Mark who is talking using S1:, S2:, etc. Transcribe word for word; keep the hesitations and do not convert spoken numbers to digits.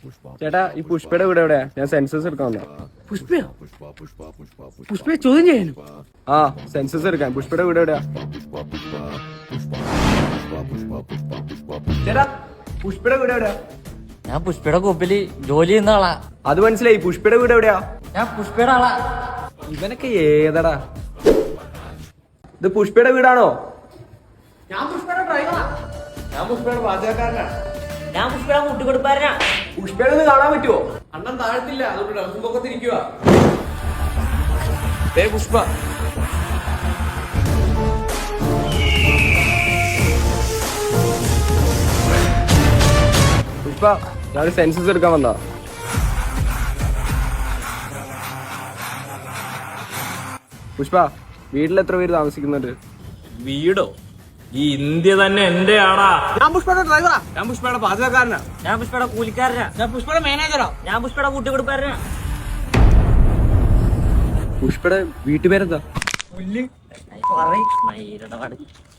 S1: ചേട്ടാ ഈ പുഷ്പയുടെ വീട് എവിടെയാ? ഞാൻ സെൻസസ് എടുക്കാൻ വന്നതാ.
S2: പുഷ്പയോ? പുഷ്പയെ ചോദ്യം ചെയ്യാനും?
S1: ആ സെൻസസ് എടുക്കാൻ. പുഷ്പയുടെ വീട് എവിടെയാ? ചേട്ടാ പുഷ്പയുടെ വീട് എവിടെയാ?
S3: ഞാൻ പുഷ്പയുടെ കൊപ്പില് ജോലി ചെയ്യുന്ന ആളാ.
S1: അത് മനസ്സിലായി. പുഷ്പയുടെ വീട് എവിടെയാ?
S3: ഞാൻ പുഷ്പയുടെ ആളാ.
S1: ഇവനൊക്കെ ഏതടാ? ഇത് പുഷ്പയുടെ വീടാണോ?
S2: ഞാൻ പുഷ്പയുടെ ഡ്രൈവറാ.
S1: ഞാൻ പുഷ്പയുടെ പാചകക്കാരനാ.
S3: ഞാൻ പുഷ്പയുടെ കൂട്ടുകൊടുപ്പാരനാ.
S1: പുഷ്പയുടെ ഒന്ന് കാണാൻ പറ്റുമോ?
S2: അണ്ണൻ താഴത്തില്ല, അതുകൊണ്ട് ഡ്രസ്സും പൊക്കത്തിരിക്കുക.
S1: പുഷ്പ പുഷ്പ ഞാൻ സെൻസസ് എടുക്കാൻ വന്നാ. പുഷ്പ വീട്ടിൽ എത്ര പേര് താമസിക്കുന്നുണ്ട്?
S4: വീടോ? ഈ ഇന്ത്യ തന്നെ എന്റെ ആടാ.
S2: ഞാൻ പുഷ്പയുടെ ഡ്രൈവറാ.
S1: ഞാൻ പുഷ്പയുടെ പാചകക്കാരനാ.
S3: ഞാൻ പുഷ്പയുടെ കൂലിക്കാരനാ.
S2: ഞാൻ പുഷ്പയുടെ മാനേജറാ.
S3: ഞാൻ പുഷ്പയുടെ കൂട്ടുകൊടുപ്പാരനാ.
S1: പുഷ്പയുടെ വീട്ടുപേരെന്താ?
S3: പറയ്. മയിലുടെ വടക്ക്.